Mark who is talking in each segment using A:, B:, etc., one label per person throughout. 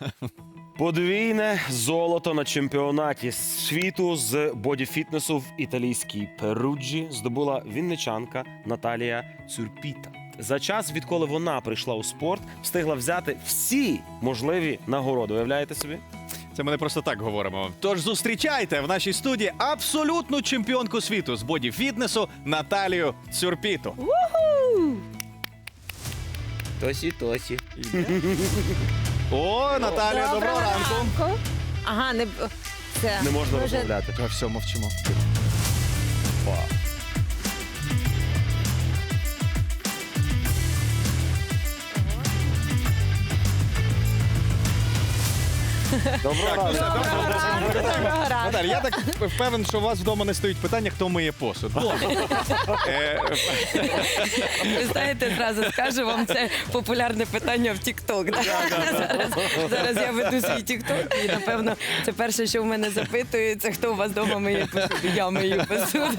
A: Подвійне золото на чемпіонаті світу з бодіфітнесу в італійській Перуджі здобула вінничанка Наталія Цюрпіта. За час, відколи вона прийшла у спорт, встигла взяти всі можливі нагороди. Уявляєте собі?
B: Це ми не просто так говоримо. Тож зустрічайте в нашій студії абсолютну чемпіонку світу з бодіфітнесу Наталію Цюрпіту.
A: Тосі.
B: О, Наталія, доброго ранку.
C: Ага, це
A: Не можна
C: дуже-
A: розмовляти.
B: Та все, мовчимо.
A: Доброго ранку.
C: Доброго ранку.
B: Наталя, я так впевнений, що у вас вдома не стоїть питання, хто миє посуд.
C: Ви знаєте, зразу скажу вам, це популярне питання в TikTok. Зараз я веду свій TikTok, і, напевно, це перше, що в мене запитується, хто у вас вдома миє посуд. Я мию посуд.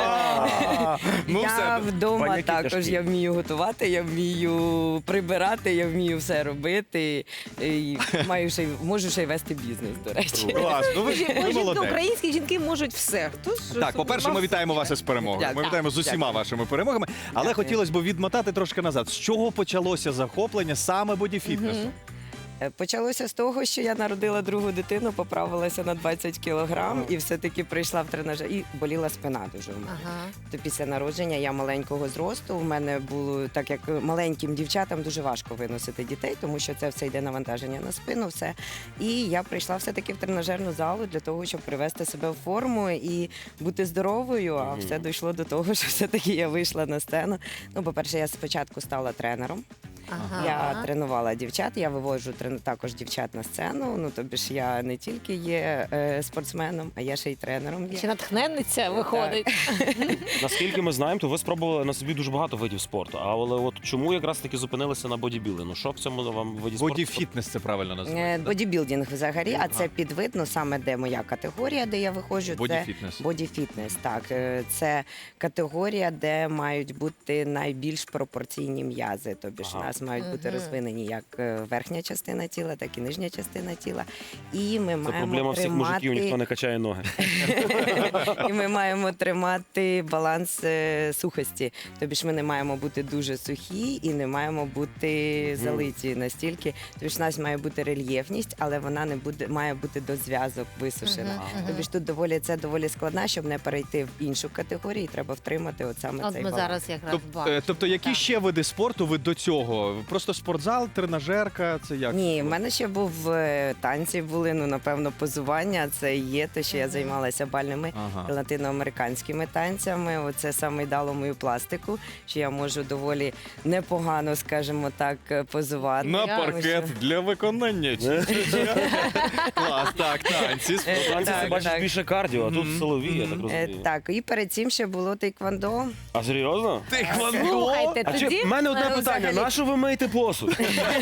B: Ну,
C: Я
B: все.
C: вдома
A: Паняки
C: також,
A: тяжкі.
C: я вмію готувати, я вмію прибирати, я вмію все робити. І можу ще й вести бізнес, до речі.
B: Клас, ну ви
D: Жінки,
B: молодець.
D: українські жінки можуть все. Хто ж
B: Так, по-перше, ми вітаємо вас із перемогою.
C: Дякую.
B: Ми вітаємо з усіма
C: Дякую.
B: вашими перемогами. Але
C: Дякую.
B: хотілося б відмотати трошки назад. З чого почалося захоплення саме бодіфітнесу?
C: Почалося з того, що я народила другу дитину, поправилася на 20 кілограм і все-таки прийшла в тренажер. І боліла спина дуже у мене.
D: Ага.
C: То після народження я маленького зросту. В мене було, так як маленьким дівчатам дуже важко виносити дітей, тому що це все йде навантаження на спину, все. І я прийшла все-таки в тренажерну залу для того, щоб привести себе в форму і бути здоровою. А все дійшло до того, що все-таки я вийшла на сцену. Ну, по-перше, я спочатку стала тренером.
D: Ага.
C: Я тренувала дівчат, я виводжу також дівчат на сцену. Ну, тобі ж я не тільки є спортсменом, а я ще й тренером є.
D: Ще натхненниця виходить.
A: Наскільки ми знаємо, то ви спробували на собі дуже багато видів спорту. Але от чому якраз таки зупинилися на бодібілдингу? Що в цьому вам виді спорту?
B: Бодіфітнес це правильно називається.
C: Бодібілдинг взагалі, а це підвидно саме де моя категорія, де я виходжу.
B: Бодіфітнес.
C: Це бодіфітнес, так. Це категорія, де мають бути найбільш пропорційні м'язи. Тобі ж у нас мають бути розвинені як верхня частина тіла, так і нижня частина тіла. І ми
A: Це
C: маємо
A: проблема всіх мужиків, ніхто
C: тримати...
A: не качає ноги.
C: І ми маємо тримати баланс сухості. Тобі ж ми не маємо бути дуже сухі і не маємо бути залиті настільки. Тобі ж у нас має бути рельєфність, але вона не буде, має бути до зв'язок висушена. Тобі ж тут це доволі складно, щоб не перейти в іншу категорію, і треба втримати от саме
D: От
C: цей
D: ми
C: баланс.
D: зараз якраз бачимо.
B: Тобто, які ще види спорту ви до цього? Просто спортзал, тренажерка, це як?
C: Ні, в мене ще був танці були, ну напевно, позування. Це і є те, що я займалася бальними
B: Ага.
C: латиноамериканськими танцями. Оце саме й дало мою пластику, що я можу доволі непогано, скажімо так, позувати.
B: На
C: Тому
B: паркет
C: що-
B: для виконання. Клас, так, танці.
A: Танці це
C: Так,
A: бачиш
C: так.
A: більше кардіо, а тут силові, я так розумію.
C: Так, і перед цим ще було тейквондо.
A: А серйозно?
D: Слухайте,
A: А чи
D: тоді
A: в мене одне питання:
D: взагалі-
A: на що ви миєте посуд?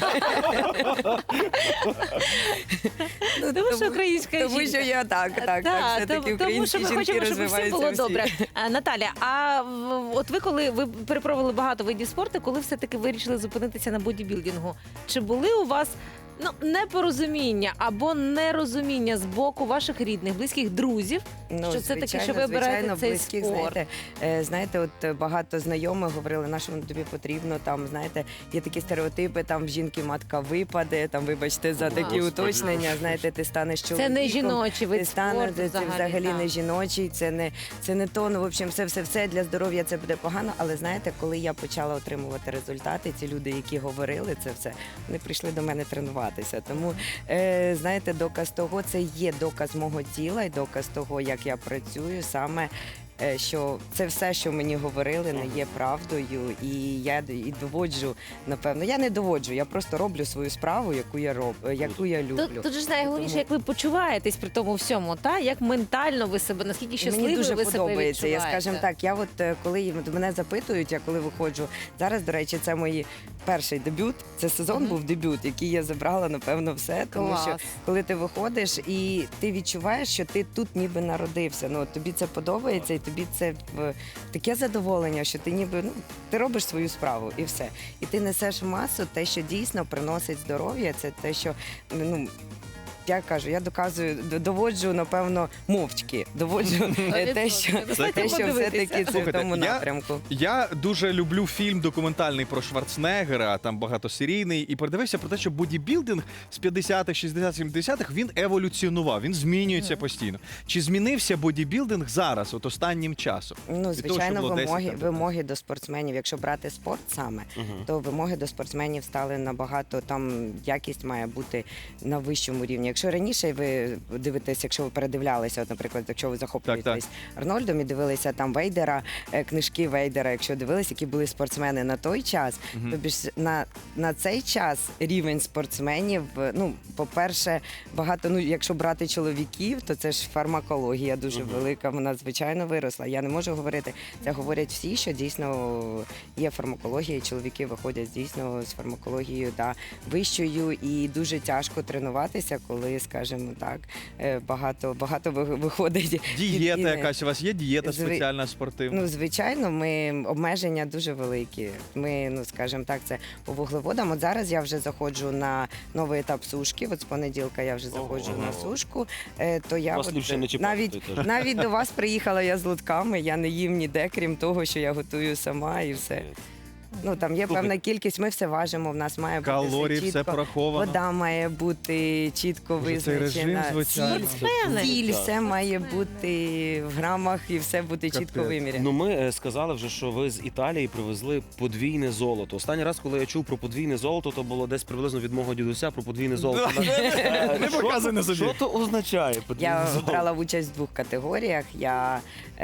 D: Тому що українська
C: Тому що
D: жінка.
C: я так, все-таки
D: тому що
C: українські
D: ми
C: жінки
D: хочемо, щоб всім
C: розвиваються
D: було
C: всі.
D: добре. Наталя, а от ви коли ви перепробували багато видів спорту, коли все-таки вирішили зупинитися на бодібілдингу, чи були у вас непорозуміння або нерозуміння з боку ваших рідних, близьких друзів, що це таке, що ви обираєте цей
C: близьких,
D: спорт?
C: знаєте, от багато знайомих говорили, на що воно тобі потрібно, там, знаєте, є такі стереотипи, там в жінки матка випаде, там, вибачте, за такі
B: Господи.
C: уточнення, знаєте, ти станеш чоловіком.
D: Це не жіночий вид
C: Ти станеш,
D: спорту
C: це взагалі
D: так.
C: не жіночий, це не то, ну, в общем, все для здоров'я це буде погано, але знаєте, коли я почала отримувати результати, ці люди, які говорили це все, вони прийшли до мене тренуватися. Тому, знаєте, доказ того, це є доказ мого тіла і доказ того, як я працюю, саме що це все, що мені говорили, не є правдою, і я і доводжу, напевно. Я не доводжу, я просто роблю свою справу, яку я люблю.
D: Тут ж найголовніше,
C: Тому-
D: як ви почуваєтесь при тому всьому, та як ментально ви себе, наскільки щасливі
C: Мені дуже
D: ви себе
C: подобається. Я
D: відчуваєте.
C: скажімо так, я от коли мене запитують, я коли виходжу зараз, до речі, це мій перший дебют. Це сезон був дебют, який я забрала, напевно, все. Тому
D: Клас.
C: що коли ти виходиш і ти відчуваєш, що ти тут ніби народився. Ну от тобі це подобається, і тобі це таке задоволення, що ти ніби ти робиш свою справу і все. І ти несеш в масу те, що дійсно приносить здоров'я, це те, що я кажу, я доказую, доводжу, напевно, мовчки. Доводжу те, що все-таки це в
B: Слухайте,
C: тому напрямку.
B: Я дуже люблю фільм документальний про Шварценеггера, там багатосерійний, і передивився про те, що бодібілдинг з 50-х, 60-х, 70-х, він еволюціонував, він змінюється постійно. Чи змінився бодібілдинг зараз, от останнім часом?
C: Ну,
B: Від того, що
C: звичайно,
B: було 10 років тому?
C: вимоги до спортсменів, якщо брати спорт саме, то вимоги до спортсменів стали набагато, там якість має бути на вищому рівні. Якщо раніше ви дивитесь, якщо ви передивлялися, от, наприклад, якщо ви захоплюєтесь Арнольдом і дивилися там Вейдера, книжки Вейдера, якщо дивилися, які були спортсмени на той час, тобі ж на цей час рівень спортсменів, ну, по-перше, багато, якщо брати чоловіків, то це ж фармакологія дуже велика, вона звичайно виросла. Я не можу говорити, це говорять всі, що дійсно є фармакологія, і чоловіки виходять дійсно з фармакологією вищою, і дуже тяжко тренуватися, коли, скажімо так, багато виходить.
B: Дієта
C: від-
B: якась у вас є? Дієта спеціальна спортивна?
C: Ну, звичайно, обмеження дуже великі. Ми, скажімо так, це по вуглеводам. От зараз я вже заходжу на новий етап сушки. От з понеділка я вже заходжу на сушку. То я
A: Вас ліпше не чіпати, теж.
C: навіть до вас приїхала я з лотками. Я не їм ніде, крім того, що я готую сама і все. Ну там є певна кількість. Ми все важимо. В нас має бути
B: Калорії,
C: все
B: все
C: чітко.
B: пораховано.
C: Вода має бути чітко
B: Боже, цей
C: визначена.
B: режим, звичайно.
C: Сіль, все має бути в грамах і все бути чітко
B: Капець.
C: виміряно.
A: Ну, ми сказали вже, що ви з Італії привезли подвійне золото. Останній раз, коли я чув про подвійне золото, то було десь приблизно від мого дідуся про подвійне золото.
B: Не показуй на собі.
A: Що то означає подвійне
C: Я
A: золото?
C: брала участь в 2 категоріях. Я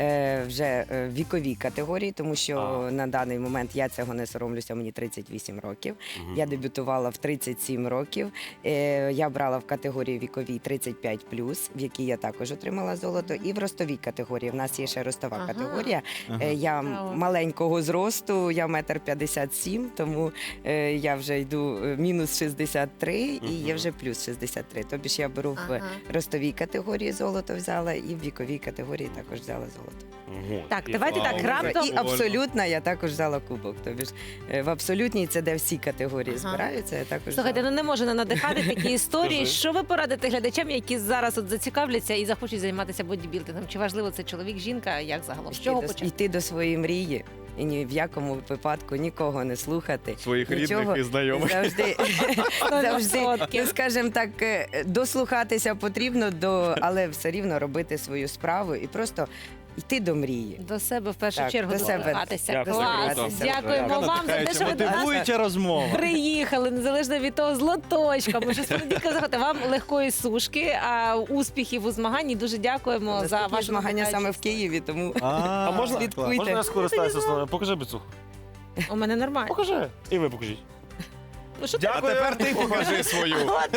C: вже віковій категорії, тому що на даний момент я цього не соромлюся, мені 38 років. Я дебютувала в 37 років. Я брала в категорії віковій 35+, в якій я також отримала золото. І в ростовій категорії. В нас є ще ростова
D: Ага.
C: категорія. Я
D: Цікаво.
C: маленького зросту, я 1,57 м, тому я вже йду мінус 63 і є вже плюс 63. Тобі ж я беру в
D: Ага.
C: ростовій категорії золото взяла і в віковій категорії також взяла золото.
A: Ого,
D: Так,
A: і
D: давайте
A: вау.
D: так, раптом-
C: І абсолютно я також взяла кубок. Тобі ж в абсолютній це де всі категорії
D: Ага.
C: збираються, я також
D: Слухайте,
C: взяла.
D: ну не можу не надихати такі історії.
A: Скажи.
D: Що ви порадите глядачам, які зараз от зацікавляться і захочуть займатися бодібілдингом? Чи важливо це чоловік, жінка? Як загалом? З чого почати?
C: Йти до своєї мрії і ні в якому випадку нікого не слухати.
B: Своїх
C: Нічого.
B: рідних і знайомих.
C: Завжди,
D: 100%.
C: скажімо так, дослухатися потрібно, але все рівно робити свою справу і просто йти до мрії.
D: До себе в першу
C: Так,
D: чергу
C: до себе.
D: дослухатися.
A: Дякую.
D: Клас.
C: Дослухатися.
D: Дякуємо вам за те, що ви до нас
B: мотивуюча розмова.
D: приїхали, незалежно від того, з лоточком. Бо що з понеділка заходите. Вам легкої сушки, успіхів у змаганні. Дуже дякуємо за
C: Наступні
D: вашу
C: змагання саме в
D: участь.
C: Києві, тому
A: А можна,
C: слідкуйте.
A: можна я скористаюся словом? Покажи біцуху.
D: У мене нормально.
A: Покажи. І ви покажіть.
D: Ну, що ти?
B: А тепер ти покажи свою.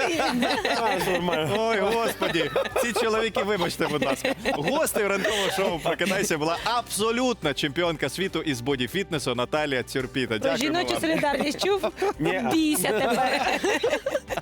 A: А, нормально.
B: Ой, господі, ці чоловіки, вибачте, будь ласка. Гостею ранкового шоу «Прокидайся» була абсолютна чемпіонка світу із бодіфітнесу Наталія Цюрпіта.
D: Про
B: Дякуємо
D: жіночу
B: вам.
D: солідарність чув?
A: Ні.
D: Бійся тебе.